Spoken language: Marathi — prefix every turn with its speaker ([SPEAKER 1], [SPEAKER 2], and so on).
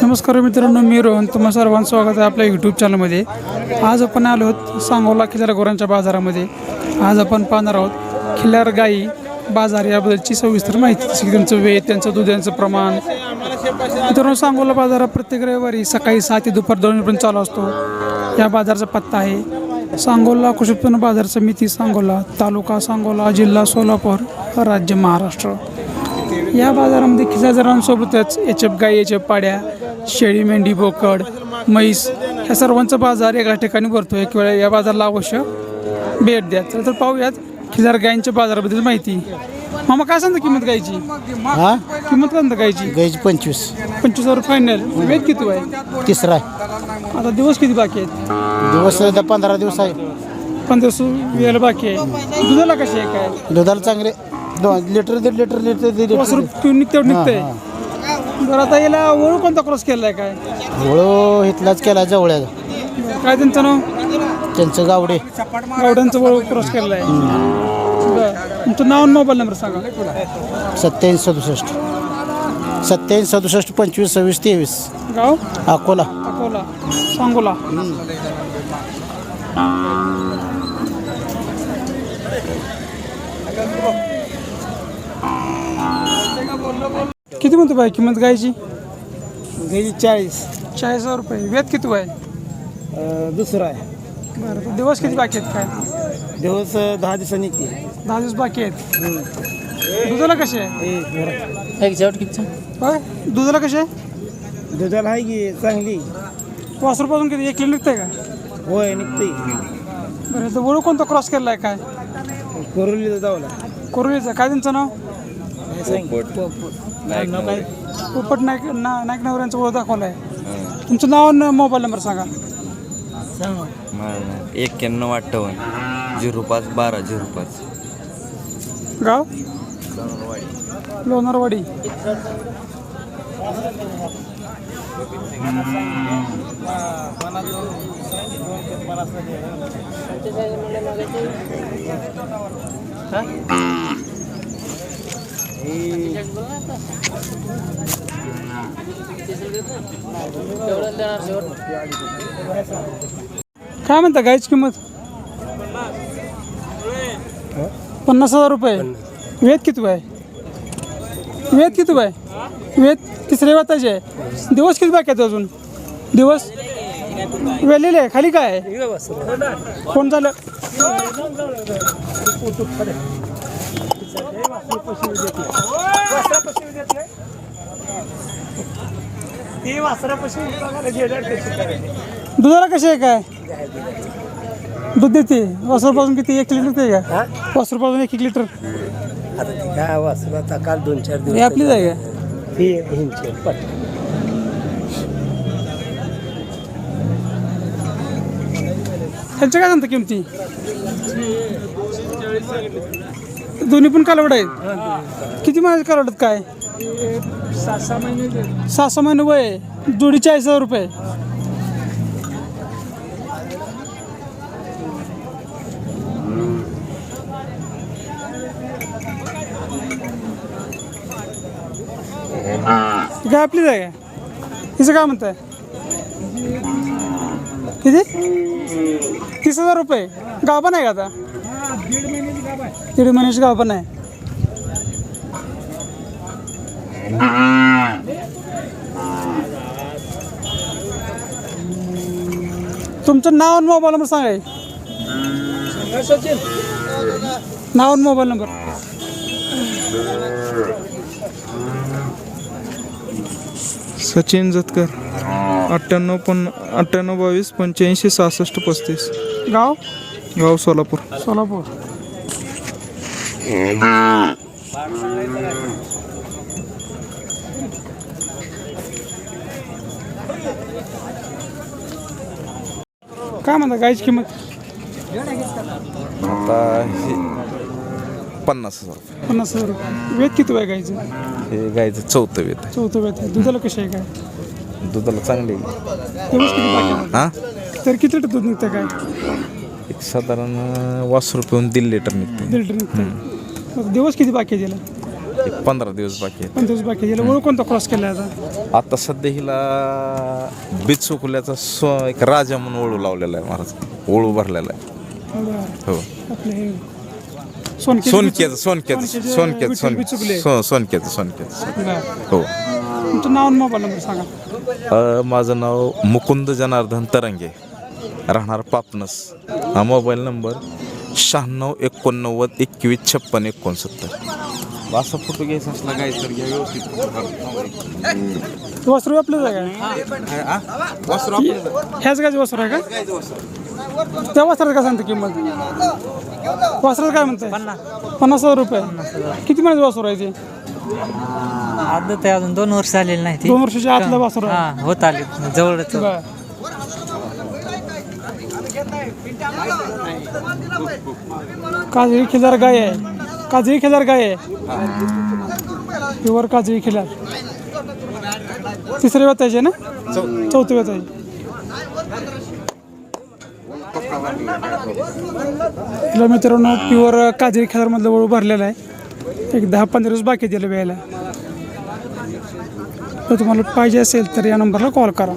[SPEAKER 1] नमस्कार मित्रांनो, मी रोहन. तुम्हा सर्वांचं स्वागत आहे आपल्या यूट्यूब चॅनलमध्ये. आज आपण आलो आहोत सांगोला खिल्लार गुरांच्या बाजारामध्ये. आज आपण पाहणार आहोत खिल्लार गाई बाजार याबद्दलची सविस्तर माहिती, जसे की त्यांचं वेळ, त्यांचं दुधाचं प्रमाण. मित्रांनो, सांगोला बाजार प्रत्येक रविवारी सकाळी 7 ते दुपार 2 पर्यंत चालू असतो. या बाजाराचा पत्ता आहे सांगोला कृषी उत्पन्न बाजार समिती, सांगोला, तालुका सांगोला, जिल्हा सोलापूर, राज्य महाराष्ट्र. या बाजारामध्ये खिल्लारांसोबतच एचएफ गाई, एचएफ पाड्या, शेळी, मेंढी, बोकड, म्हैस ह्या सर्वांचा बाजार एका ठिकाणी भरतो. एक वेळा या बाजाराला अवश्य भेट द्या. तर पाहूयात खिल्लार गायींच्या बाजाराबद्दल माहिती. मामा, काय सांगता किंमत गायची? किंमत काय सांगता गायची?
[SPEAKER 2] गायची
[SPEAKER 1] 25,000 फायनल. वेट किती आहे?
[SPEAKER 2] तिसरा आहे.
[SPEAKER 1] आता दिवस किती बाकी आहेत?
[SPEAKER 2] दिवस 15 दिवस आहे.
[SPEAKER 1] 15 वेळेला बाकी आहे. दुधाला कशी आहे? काय
[SPEAKER 2] दुधाला चांगले 2 लिटर 1.5 लिटर लिटर
[SPEAKER 1] 5 रुपये निघतंय. बरं, आता याला ओळख कोणता क्रॉस केला आहे? काय
[SPEAKER 2] वळू इथलाच केला जवळ्या.
[SPEAKER 1] काय त्यांचं नाव?
[SPEAKER 2] त्यांचं गावडे.
[SPEAKER 1] गावड्यांचं ओळख क्रॉस केलं आहे. बरं, तुमचं नाव आणि मोबाईल नंबर सांगा.
[SPEAKER 2] 87 67 25 26 23.
[SPEAKER 1] गाव?
[SPEAKER 2] अकोला.
[SPEAKER 1] अकोला, सांगोला. किती म्हणतो बाई किंमत गायची?
[SPEAKER 2] गायची
[SPEAKER 1] 40,000 रुपये. वेत किती आहे?
[SPEAKER 2] दुसरा आहे.
[SPEAKER 1] बरं, तर दिवस किती बाकी आहेत? काय
[SPEAKER 2] दिवस 10 दिवसांनी
[SPEAKER 1] 10 दिवस बाकी आहेत. दुधाला कसे आहे? होय, दुधाला कसे आहे?
[SPEAKER 2] दुधाला आहे की चांगली.
[SPEAKER 1] वासरूपासून किती 1 लिटर निघतंय का?
[SPEAKER 2] होय निघते.
[SPEAKER 1] बरं, तर वळू कोणता क्रॉस केला आहे? काय
[SPEAKER 2] कोरोलीचा जावला.
[SPEAKER 1] कोरोलीचं. काय त्यांचं नाव? पोपट नाईक नवऱ्यांचं ओळख दाखवलं आहे. तुमचं नाव आणि मोबाईल नंबर सांगा.
[SPEAKER 3] 9158 05 12 05.
[SPEAKER 1] गाव? लोणारवाडी. काय म्हणता गायची किंमत? 50,000 रुपये. वेत किती आहे? वेत किती आहे? वेत तिसरे वाताचे आहे. दिवस किती बाकी आहेत अजून? दिवस वेलेले आहे. खाली काय आहे? कोण झालं? दुधाला कशी आहे? काय दूध देते? वासरूपासून किती? 1 लिटर देते का? वासरूपासून 1 लिटर.
[SPEAKER 2] काय वासरू आता काल 2-4 दिवस.
[SPEAKER 1] हे आपलीच आहे का? त्यांच्या काय सांगता किमती? दोन्ही पण कालवड आहेत. किती महिन्याचे कालवड आहेत? काय 6-6 महिने वय. जोडी 40,000 रुपये. काय आपलीच आहे का? हिचं काय म्हणताय? किती? 30,000 रुपये. गाभण आहे का आता? 1.5 महिन्याची गाभण आहे. तुमचं नाव आणि मोबाईल नंबर सांगा. नाव आणि मोबाईल नंबर.
[SPEAKER 4] सचिन जतकर. 98 22 85 66 35.
[SPEAKER 1] गाव?
[SPEAKER 4] गाव सोलापूर.
[SPEAKER 1] सोलापूर. काय म्हणता गायची किंमत?
[SPEAKER 3] आता हे 50,000 रुपये.
[SPEAKER 1] 50,000 रुपये. वेत किती आहे गायचं?
[SPEAKER 3] हे गायचं 4थं वेत आहे.
[SPEAKER 1] 4थं वेत आहे. दुधाला कशी आहे? काय
[SPEAKER 3] दुधाला चांगली आहे.
[SPEAKER 1] दिवस किती बाकी आहे?
[SPEAKER 3] हां,
[SPEAKER 1] तर किती लिटर दूध निघतं? काय
[SPEAKER 3] एक साधारण 20 रुपये 1.5 लिटर निघते.
[SPEAKER 1] 1.5 लिटर निघतं. दिवस किती बाकी आहे त्याला?
[SPEAKER 3] एक 15 दिवस बाकी आहेत.
[SPEAKER 1] 5 दिवस बाकी आहे. हिला ओळख कोणता क्रॉस केला आहे आता?
[SPEAKER 3] आता सध्या हिला बिचुकल्याचा एक राजा म्हणून ओळू लावलेला आहे महाराज. ओळू भरलेला आहे.
[SPEAKER 1] बरं.
[SPEAKER 3] हो
[SPEAKER 1] आपले हे सोनके
[SPEAKER 3] सोनक्याचं हो.
[SPEAKER 1] तुमचं नाव आणि मोबाईल नंबर सांगा.
[SPEAKER 3] माझं नाव मुकुंद जनार्दन तरंगे, राहणार पापनस. हा मोबाईल नंबर 96 89 21 56 69. असा फोटो घ्यायचा असला काय तर घ्या व्यवस्थित फोटो काढून.
[SPEAKER 1] वस्त्र आपलं आहे का? ह्याच गायचं वस्त्र आहे का? त्या वस्त्रात काय सांगते किंमत? वस्त्रात काय म्हणताय? 50,000 रुपये. किती महिन्याचं वस्त्र आहे ते?
[SPEAKER 5] आदत आहे, अजून 2 वर्ष झालेली नाही ती.
[SPEAKER 1] 2 वर्षाच्या आतलं वस्त्र आहे.
[SPEAKER 5] हा होत आले जवळच.
[SPEAKER 1] बरं. काजळी खिलार गाय आहे. काजळी खिलार गाय आहे. प्युअर काजळी खिलार. तिसऱ्या वेताची आहे ना? चौथ्या वेताची. तिला मित्रांनो प्युअर काजळी खिलारमधलं वळू भरलेला आहे. एक 10-15 दिवस बाकी दिलं वेळेला. तर तुम्हाला पाहिजे असेल तर या नंबरला कॉल करा.